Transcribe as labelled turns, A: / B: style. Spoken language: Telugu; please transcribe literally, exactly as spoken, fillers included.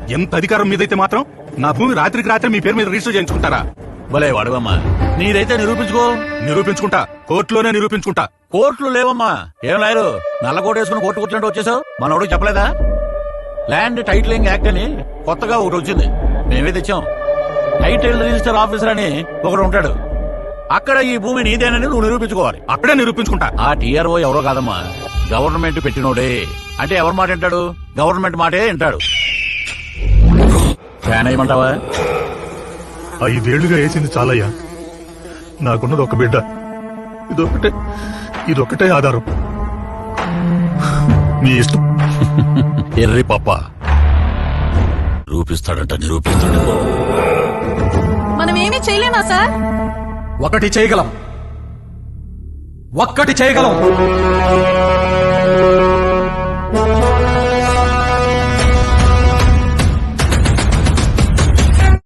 A: ఎంత అధికారం మీదైతే మాత్రం నా భూమి రాత్రికి రాత్రి మీ పేరు మీద రిజిస్టర్ చేయించుకుంటారా?
B: భలే వాడవమ్మా, నీదైతే నిరూపించుకో.
A: నిరూపించుకుంటా, కోర్టులోనే నిరూపించుకుంటా.
B: కోర్టులు లేవమ్మా. ఏం లాయరు నల్ల కోట వేసుకుని కోర్టు కూర్చుంటే వచ్చేసావు? మనోడు చెప్పలేదా? ల్యాండ్ టైటిలింగ్ యాక్ట్ అని కొత్తగా ఒకటి వచ్చింది, మేమే తెచ్చాం. టైటిల్ రిజిస్టర్ ఆఫీసర్ అని ఒకడు ఉంటాడు. అక్కడ ఈ భూమి నీదేనని నువ్వు నిరూపించుకోవాలి.
A: అక్కడే నిరూపించుకుంటా.
B: ఆ టీఆర్ఓ ఎవరో కాదమ్మా, గవర్నమెంట్ పెట్టినోడే. అంటే ఎవరి మాట వింటాడు? గవర్నమెంట్ మాటే వింటాడు. ఫ్యాన్ అయ్యమంటావా?
C: ఐదేళ్లుగా వేసింది చాలయ్యా. నాకున్నది ఒక బిడ్డ, ఇదొక్కటే ఇదొక్కటే ఆధారం. నీ ఇష్టం.
B: ఎర్రి పప్ప నిరూపిస్తాడంట, నిరూపిస్తాడు.
D: మనం ఏమీ చేయలేమా సార్?
E: ఒకటి చేయగలం, ఒక్కటి చేయగలం.